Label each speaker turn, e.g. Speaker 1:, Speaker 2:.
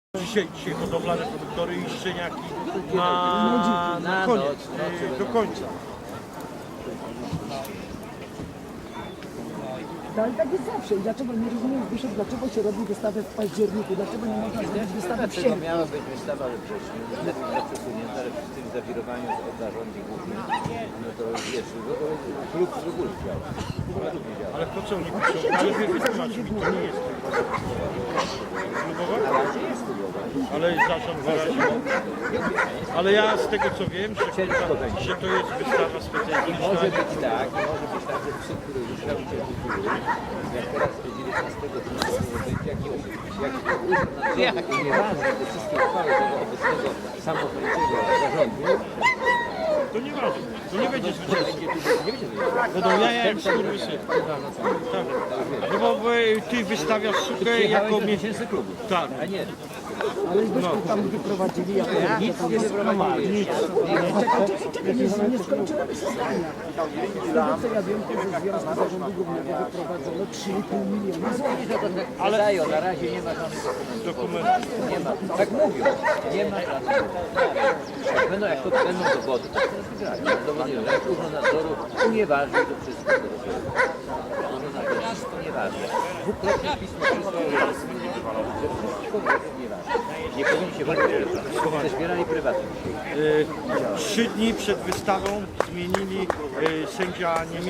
Speaker 1: Dzisiaj hodowlane produktory i szczeniaki na koniec, do końca.
Speaker 2: No ale tak jest zawsze. I dlaczego nie rozumiem, Zbyszek, dlaczego się robi wystawę w październiku? Dlaczego nie można zrobić wystawy w sierpniu?
Speaker 3: Miała być wystawa we wrześniu, niestety przesunięta, ale przy tym zawirowaniu od zarządzie głównym, no to wiesz, klub w ogóle działa.
Speaker 1: Ale po co oni piszą? Ale wy wytłumaczcie mi, to nie jest klubowa? Ale zarząd wyraził. Ale ja z tego co wiem, że to jest wystawa specjalna.
Speaker 3: Może być tak, że przy których już robicie kultury, jak teraz 19 dnia będzie jakiś nieważne, te wszystkie uchwały tego obecnego samowolnego zarządu,
Speaker 1: To nie ważne, to nie będzie zwycięstwo.
Speaker 3: nie będzie
Speaker 1: Będą jaja jak skurwysy. Tak. No bo ty wystawiasz sukę jako
Speaker 3: miesięcy klubu.
Speaker 1: Tak.
Speaker 3: A nie.
Speaker 2: Ale Zbyszku tam wyprowadzili, ja powiem,
Speaker 3: Nic nie wyprowadzili.
Speaker 2: czekaj, nie skończyłem się zdania. Z tego co ja wiem, to ze Związku Zarządu Głównego wyprowadzono 3,5 miliona złotych.
Speaker 3: Ale dają, na razie nie ma żadnych dokumentów. Nie ma. Tak mówią. Nie ma żadnych dokumentów. Jak to będą dowody, to się rozbierają. Dowody, że jak Urząd Nadzoru unieważni to wszystko. Urząd Nadzoru wszystko nieważne. Dwukrotnie pismo przysłało, że wszystko nieważne. Nie powinni się walczyć. Zbierali prywatnie.
Speaker 1: 3 dni przed wystawą zmienili sędzia niemiecki.